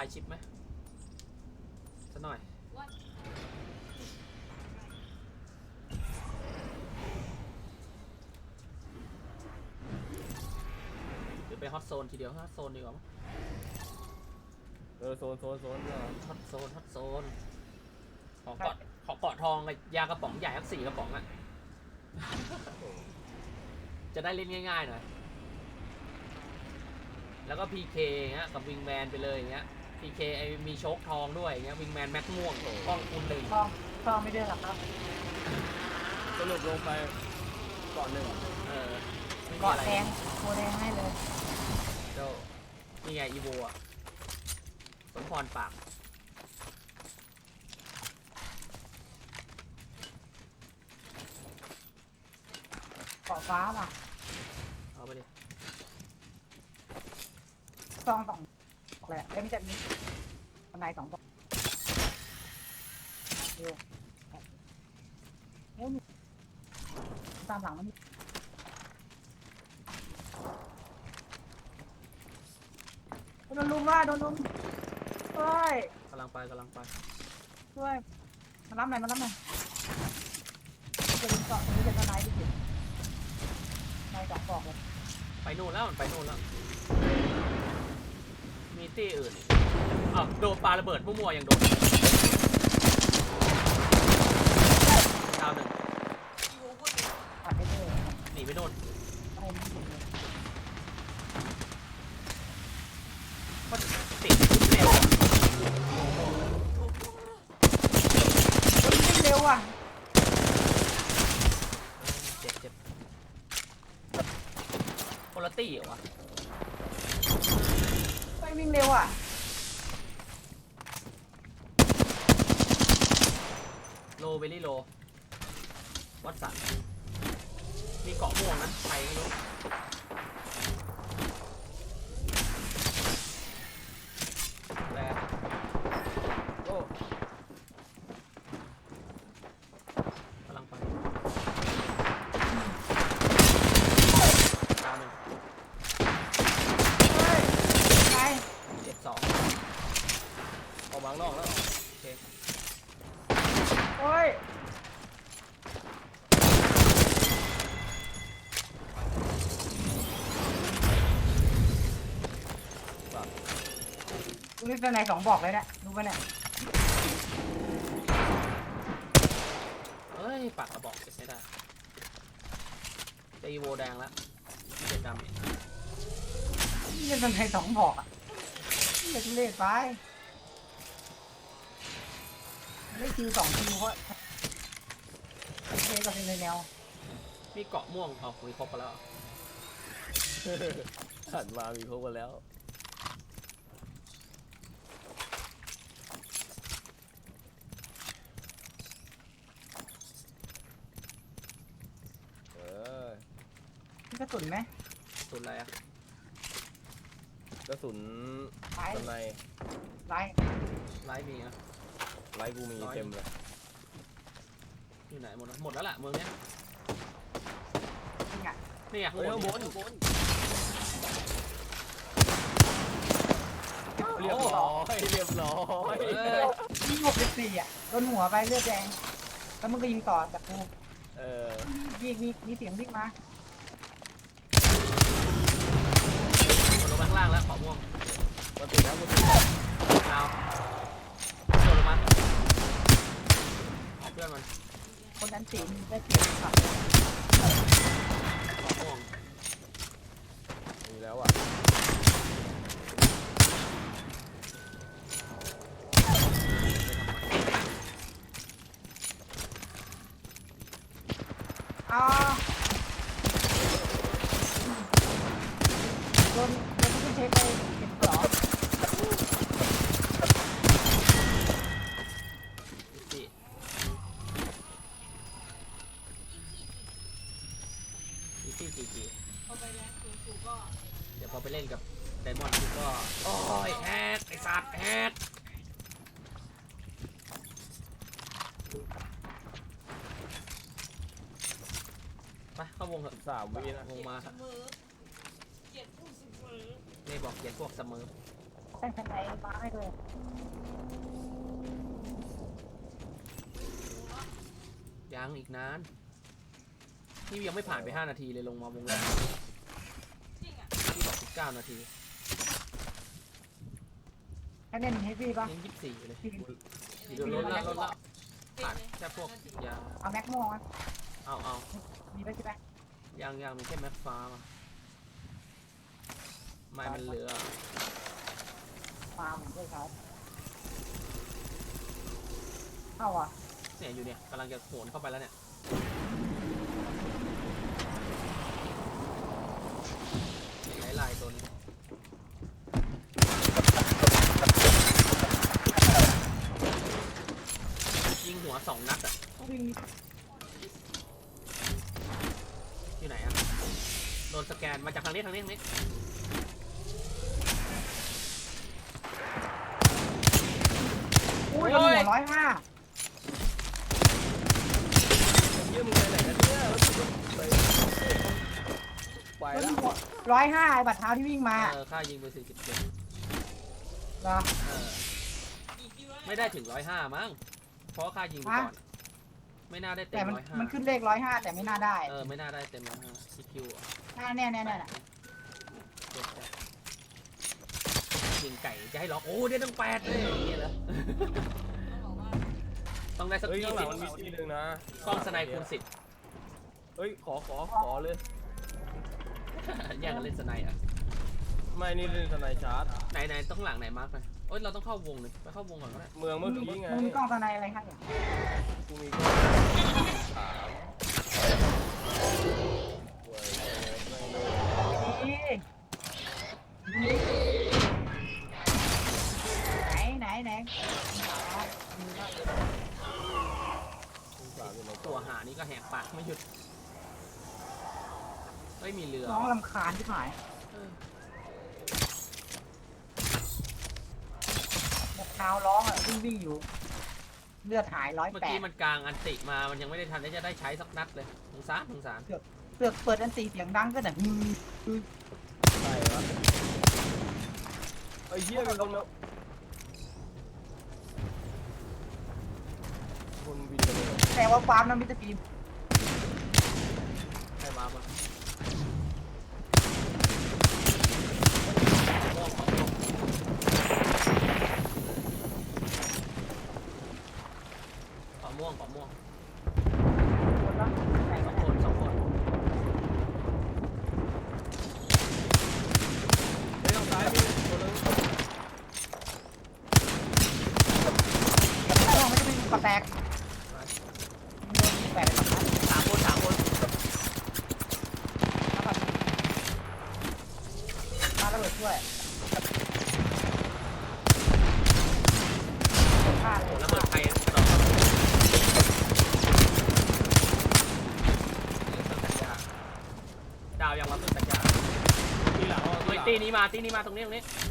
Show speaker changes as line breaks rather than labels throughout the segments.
ายชิปไหมสักหน่อยหรือไปฮอตโซนทีเดียวฮอตโซนดีกว่ามั้ง
โซนเนี่ย
ฮอตโซนขอเกาะทองกับยากระป๋องใหญ่ทั้ง4 กระป๋องอะจะได้เล่นง่ายๆหน่อยแล้วก็ PK เงี้ยกับวิงแมนไปเลยอย่างเงี้ย PK ไอมีโชคทองด้วยอย่างเงี้ยวิงแมนแม็กม่วงกล้องคูณ1
ทองไม่ได้หรอครับ
สรุปลงไปเกาะหนึ่ง
เกาะแดงโคแดงให้เลย
เจ้านี่ไงอีโวอะสมพรปาก
เกาะฟ้าว่ะ
เอาไปดิ
ซอง2 แหละไม่ใช่นี้บันได2 บอกเร็วตามหลังมันโดนลุมว่าโดนลุมช่วย
กำลังไป
ช่วยมารับหน่อยจะลุมเกาะนี้จะทนายดิจินาย2 บอกเลย
ไปนู่นแล้วมันไปนู่นแล้วมีตี้อื่นอ้าวโดนปาระเบิดมั่วๆยังโดนดาว 1
ปัดได้เลย
หนีไปโน่น
อะไรไม่ถูกเลย
ก็ติดเร็ว
วิ่งเร็วอ่ะ
เจ็บคนละตี้เหรอวะ
วิ่งเร็วอ่ะ
โลเบลลี่โลวัดสันมีเกาะม่วงนะใครไม่รู้แรง
โอ้
กำลังไปดาว 1
ไป
7-2
ออกมาข้างนอกแล้ว
โอเค
โอ้ยนี่เป็นไหน2 บอกเลยเนี่ยรู้ป่ะเนี่ย
เฮ้ยปากกระบอกเก็บไม่ได้จะอีโวแดงแล้วเจ็ดดำ
นี่เป็นไหน2 บอกอ่ะนี่จะเล่นไปได้คิว2 คิวเพราะเล่นก็เป็นในแนว
มีเกาะม่วงเอาคุยครบไปแล้ว
ขันมามีครบกันแล้ว
นี่กระสุนไหม
สุดอะไรอะ
กระสุนสไนป์
ไล่
ไลฟ์มีอะ
ไลฟ์กูมีเต็มเลย
อยู่ไหนหมดแล้วแหละเมืองเนี้ย
นี่ไง
นี่ไงข้างบน
เรียบร้อย
ยิง64อ่ะโดนหัวไปเลือดแดงแล้วมึงก็ยิงต่อจากกูยิงมีเสียงวิ่งมา
ลงไปข้างล่างแล้วขอม่วง
มาติดแล้ว
ดาวโดนลงมาเพื่อนมัน
คนนั้นสีได้เสียงครับ
ขอม่วง
มีแล้วอ่ะ
โดนที่เช็คไปเก็บกรอบ
จีพอไปแรงสูงก็เดี๋ยวพอไปเล่นกับไดมอนด์ก็โอ้ยแฮกไอสัตว์แฮกไปเข้าวงเถอะ
3 วินะ
วงมาครับนี่บอกเขียนพวกเสมอ
แต่งทนายมาให้ด้วย
ยังอีกนานนี่ยังไม่ผ่านไป5 นาทีเลยลงมาวงแรกที่บอก19 นาที
ให้เล่นเฮฟวี่ป่ะ
ยัง24อยู่เลย
พี่
เดี๋ยวลดละผ่านแค่พวกยา
เอาแม็กโม่มา
เอา
มีไปใช่ไหม
ยังมีแค่แม็กฟ้ามาไม่มันเหลือ
ฟาร์มด้วยครับเข้าอ่ะ
เนี่ยอยู่เนี่ยกำลังจะโหนเข้าไปแล้วเนี่ยไล่ตัวนี้ยิงหัว2 นัดอ่ะ
วิ่ง
อยู่ไหนอ่ะโดนสแกนมาจากทางนี้
อุ้ยหัว105
เยี่ยมมึงไปไหนกันเนี่ยแล้วกูไปแล้ว
105ไอ้บัตรเท้าที่วิ่งมา
ค่ายิงไป47
เหรอ
ไม่ได้ถึง105มั้งเพราะค่ายิงไปก่อนไม่น่าได้เต็
แต่
ม
มันขึ้นเลข105แต่ไม่น่าได้
ไม่น่าได้เต็ม105 EQ
เนี่ย
ยิงไก่จะให้ล็อกโอ้ได้ตั้ง8เลยอย่างเงี้ยเหรอต้องได้สัก
เฮ้ยข้างหลัง
20
มันมีที่นึงนะ
กล้องสไนคูณ
เฮ้ยขอเลย
10 แย่งกันเล่นสไนอ่ะ
ไม่นี่เล่นทนายชาร์จ
ไหนต้องหลังไหนมาร์กไปโอ๊ยเราต้องเข้าวงเลยไปเข้าวงก่อนก็ได้
เมืองเมื่อกี้ไง
มึงมีกล้องตาในอะไรให้อ่ะ
กูมีกล้องถาม
ไหน
ตัวหานี่ก็แหกปากไม่หยุดไม่มีเรือ
น้องลำคาญที่หายแบบเท้าร้องอ่ะวิ่งอยู่เลือดหาย
เมื่อกี้
108
มันกลางอันติมามันยังไม่ได้ทันที่จะได้ใช้สักนัดเลยสงสาร
เสือกเปิดอันตีเสียงดังก็แต่
ใช่วะไอ้เหี้ยมันลงแล้วคนบินไปเลย
แต่ว่าฟาร์มนั้นมิสเตอร์ฟิล์ม
ใครมาบ้างขอม่วง
คนละไหน
ส
กั
อน ง
เนี่ย
คน
เฮ้ยทางซ้ายมีคนนึง
ถ้าลองไม่ได้เป็นกระแตกโดนแปดเลยครับ
3 คน
แล้วแบบมาระเบิดช่วยฆ่าเล
โอ้
ย
ระเบิดใครต่อดาวยังรับต้นสัญญา
ทีหลัง
เฮ้ยตีนี้มาตรงนี้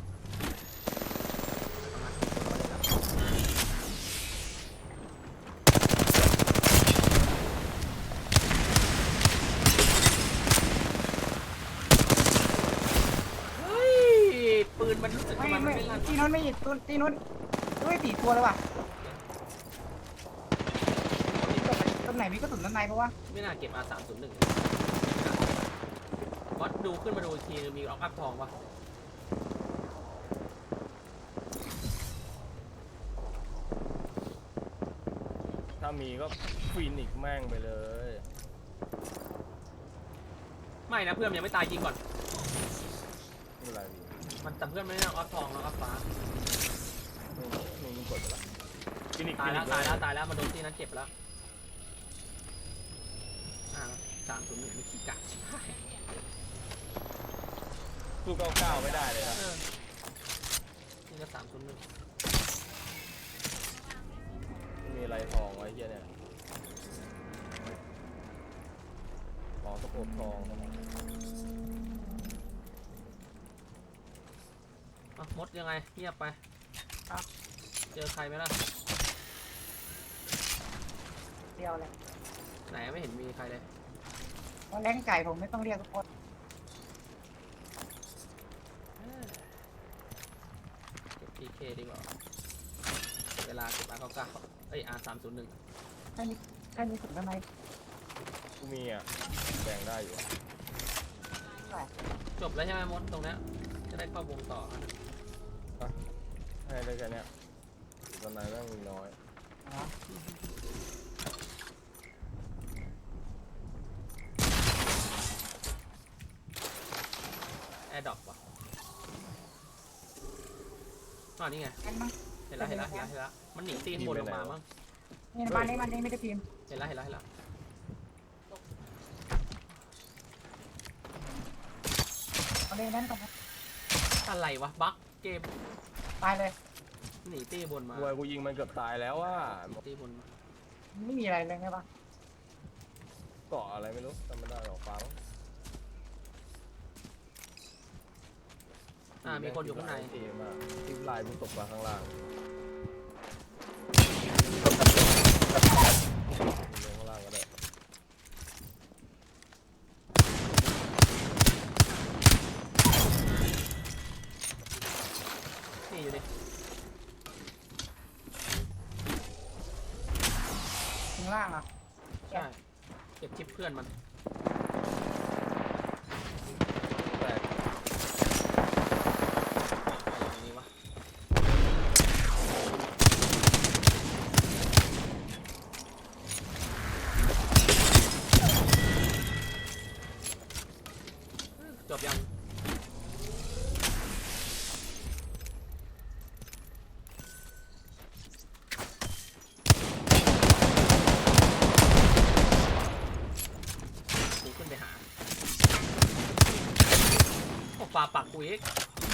เฮ้ยปืนมันรู้สึก
ไม่
มัน
ไม่
ไม่ลั่น
ตีนู้นไม่หยิบตีนู้นด้วย4 ตัวเลยว่ะต้นไหนมีกระสุนด้านในเพราะว่า
ไม่น่าเก็บ R301 วัดดูขึ้นมาดูอีกทีมีออกอัพทองปะ
ถ้ามีก็ฟินิกแม่งไปเลย
ไม่นะเพื่อนยังไม่ตายยิงก่อน
ไม่เป็นไรพี่
มันแต่เพื่อนไม่ได้เอาอัพทองแล้วอัพฟ้า
มึงกดไปละฟินิก
ตายแล้วมาโดนที่นั้นเจ็บแล้ว301มีขี้กะชิบหาย
สู้99ไม่ได้เลยนะ
นี่ก็301
มีอะไรทองไว้เหี้ยเนี่ยทองสะโพกทอง
มดยังไงเงียบไปเจอใครไหมล่ะ
เดียวเลย
ไหนไม่เห็นมีใครเลย
เพราะแรงไก่ผมไม่ต้องเรียกทุกคน
เคดีกว่าเวลา1999เอ้ย R301
แค่นี้สุดทำไม
กูมีอ่ะแบ่งได้อยู่
จบแล้วใช่ไหมมดตรงเนี้ยจะได้เข้าวงต่อนะ
ให้ได้แค่เนี้ยตอนไหนแม่งมีน้อย
อ๋อ
แอร์ดรอปว่ะนี่ไง
งั้นมั้ง
เห็นแล้วมันหนีตีข้างบนลงมามั้ง
นี่บ้านนี้ไม่ได้พิมพ์
เห็นแล้ว
เอาเลยนั่นก่อนนะ
อะไรวะบั๊กเกม
ตายเลย
หนีตีบนมา
กูยิงมันเกือบตายแล้วว่า
ตีบนมา
ไม่มีอะไรเลยไงปะ
เกาะอะไรไม่รู้จำไม่ได้หรอกฟ้า
มีคนอยู่ข้างใน
เอมากที่ลายมึงตกมาข้างล่างลงข้างล่างก็ได้
นี่อยู่ดิ
ถึงล่างอ่ะ
ใช่เก็บชิปเพื่อนมัน
แต่
อะไรอย่างนี้วะจบยังกูขึ้นไปหาโอ้ปลาปักกูอีก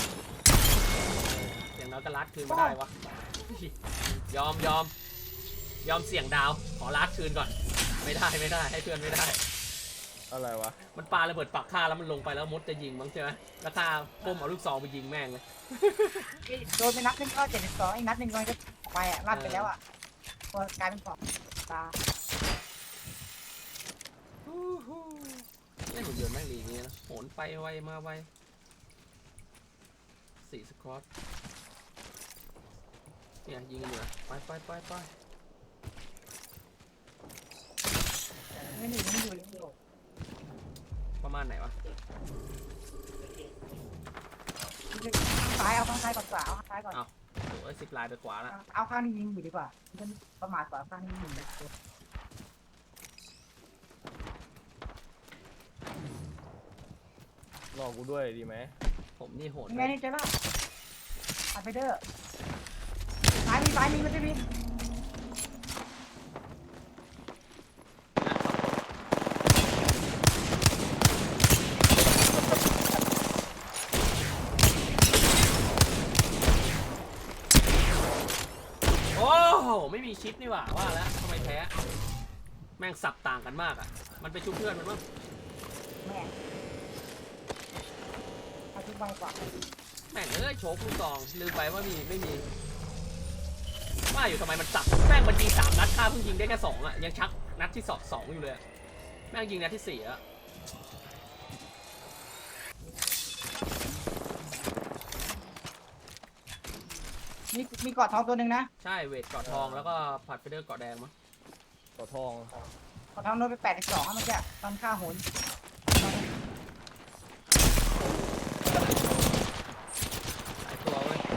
อย่างน้อยก็ลัดคืนมาได้วะยอมเสี่ยงดาวขอลัดคืนก่อนไม่ได้ให้เพื่อนไม่ได้
อะไรวะ
มันปาระเบิดปักฆ่าแล้วมันลงไปแล้วมดจะยิงมั้งใช่ไหมแล้วฆ่าก้มเอาลูกซองไปยิงแม่งเลย
โดนไปนัดนึงก็72อีกนัดนึงก็จะไปอ่ะลั่นไปแล้วอ่ะตัวกลายเป็นของตา
เล่นหุ่นยนต์แม่งดีอย่างงี้นะโหนไปไวมาไว4 สควอตเนี่ยยิงกันอยู่นะไป
ไม่อยู่
ประมาณไหนวะ
ซ้ายเอาข้างซ้ายก่อนขวาเอาข้างซ้ายก่อน
โอ้ย10 ลายไปขวาละ
เอาข้างนี้ยิงอยู่ดีกว่ามันประมาทกว่าข้างนี้ยิงเลย
รอกูด้วยดีไหม
ผมนี่โหด
ยังไงนี่เจ๊ล่ะอัดไปเด้อซ้ายมีมันจะมี
โอ้โหไม่มีชิปนี่หว่าว่าแล้วทำไมแพ้แม่งสับต่างกันมากอ่ะมันไปชุบเพื่อนมันมั้ง
แม่เอาทุกใบกว่า
แม่งโชว์ลูกซองลืมไปว่าไม่มีว่าอยู่ทำไมมันสับแม่งมันยิง3 นัดฆ่าเพิ่งยิงได้แค่2อ่ะยังชักนัดที่2อยู่เลยอะแม่งยิงนัดที่4อ่ะ
มีกอดทองตัวหนึ่งนะ
ใช่เวทเกาะทองแล้วก็ผัดเฟเดอร์เกาะแดงมั้ง
ต่อทอง
กอดทองโดนไป82เมื่อกี้ตอนฆ่าโหน
หลายตัวเว้ย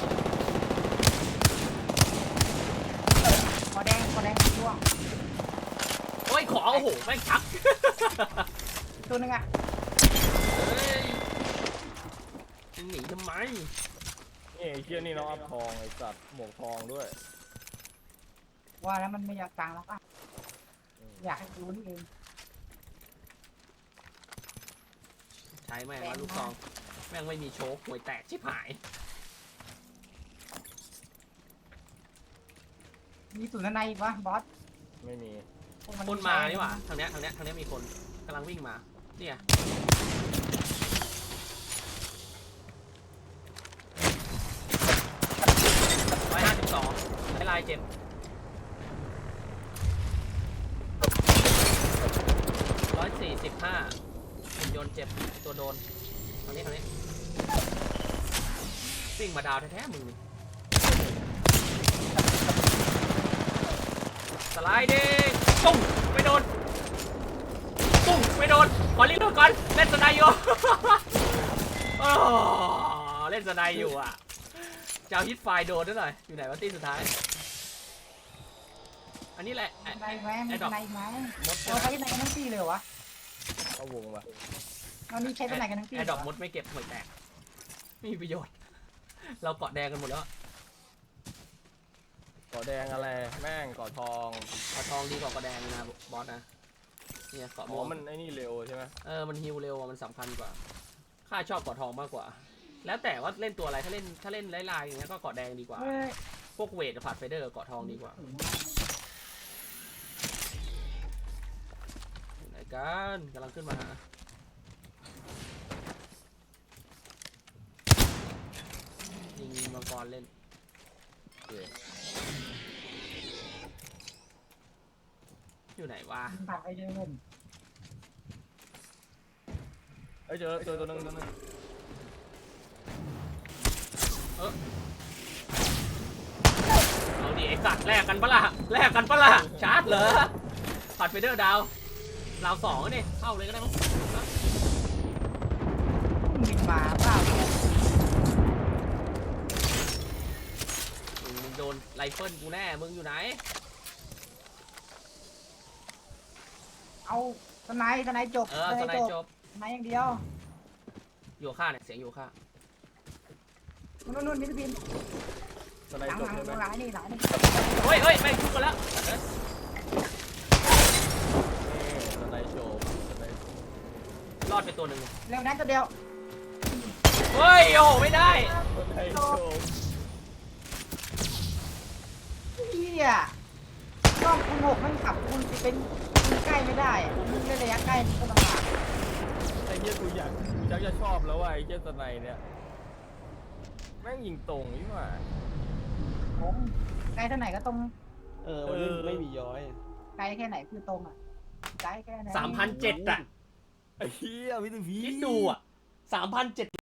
คอแดงร่วง
โอ้ยขอโอ้โหแม่งชัก
ตัวหนึงอ่ะ
เฮ้ยจะหนีทำไม
นี่ไอ้เชี่ยนี่น้องอัพทองไอ้สัตว์หมวกทองด้วย
ว่าแล้วมันไม่อยากตังแล้วอ่ะอยากให้รู้นี่เอง
ใช้แม่งว่าลูกซองแม่งไม่มีโชคห่วยแตกชิบหาย
มีศูนย์ในอีกวะบอส
ไม่มี
คนมานี่หว่าทางเนี้ยมีคนกำลังวิ่งมาเนี่ย152ลายเจ็บ145หุ่นยนต์เจ็บตัวโดนทางนี้วิ่งมาดาวแท้ๆมึงนี่ไลด์ดิตุ้งไม่โดนตุ้งไม่โดนขอรีบโดนก่อนเล่นสไนอยู่ เล่นสไนอยู่อ่ะจะเอาฮิตไฟโดนด้วยหน่อยอยู่ไหนวะตีสุดท้ายอันนี้แหละ
สไนไหมมีสไนไหม
มด
เราใช้สไนกันทั้งปีเลยวะ
เอาวงว่ะ
ตอนนี้ใช้สไนกันทั้งปี
ไอ้ดอกมดไม่เก็บหวยแตกไม่มีประโยชน์ เราเกาะแดงกันหมดแล้ว
ก่อแดงอะไรแม่งก่อทอง
เกาะทองดีกว่าเกาะแดงนะบอสนะเนี่ยเกาะ
อ๋
ม่
อ
วง
มันไอ้นี่เร็วใช่ไหม
มันฮิวเร็วมันสำคัญกว่าข้าชอบเกาะทองมากกว่า แล้วแต่ว่าเล่นตัวอะไรถ้าเล่นไล่ๆอย่างเงี้ยก็เกาะแดงดีกว่า
เฮ้ย
พวกเวทผัดไฟเดอร์เกาะทองดีกว่าอยู่ไหนกันกำลังขึ้นมาหายิงมังกรเล่น
โอเค
อยู่ไหนวะ
ผ่านไปเดิน
เอ้ยเจอตัวนึง
เอาดิไอ้สัตว์แลกกันปะล่ะชาร์จเหรอผัดไฟเดอร์ดาวสองนี่เข้าเลยก็ได้มั้ง
บินมาเปล่า
มึงโดนไรเฟิลกูแน่มึงอยู่ไหน
เอาสไนจบ
สไนจบ
สไนอย่างเดียว
อยู่ข้าเนี่ยเสียงอยู่ข้า
นู่นมิสบิน
สไน
หลัง
จบใช่ไหม
หลังนี่หลังนี่
เฮ้ยแม่งทุบกันแล้ว
สไนจบสไน
รอดไปตัวหนึ่ง
เร็วนั้นตัวเดียว
เฮ้ยโอ้โหไม่ได้
สไนจบ
เฮียกล้องคุณ6มันขับคุณจะเป็นคุณใกล้ไม่ได้มึงเล่นระยะใกล้มันก็ลำบาก
ไอ้เหี้ยกูอยากจะชอบแล้วว่ะไอ้เหี้ยสไนเนี่ยแม่งยิงตรงนี่หว่า
ผมไกลเท่าไหนก็ตรง
มันไม่มีย้อย
ไกลแค่ไหนคือตรงอ่ะไกลแค่ไหน
3,700อ่ะ
ไอ้เหี้ยวิธี
คิดดูอ่ะ3,700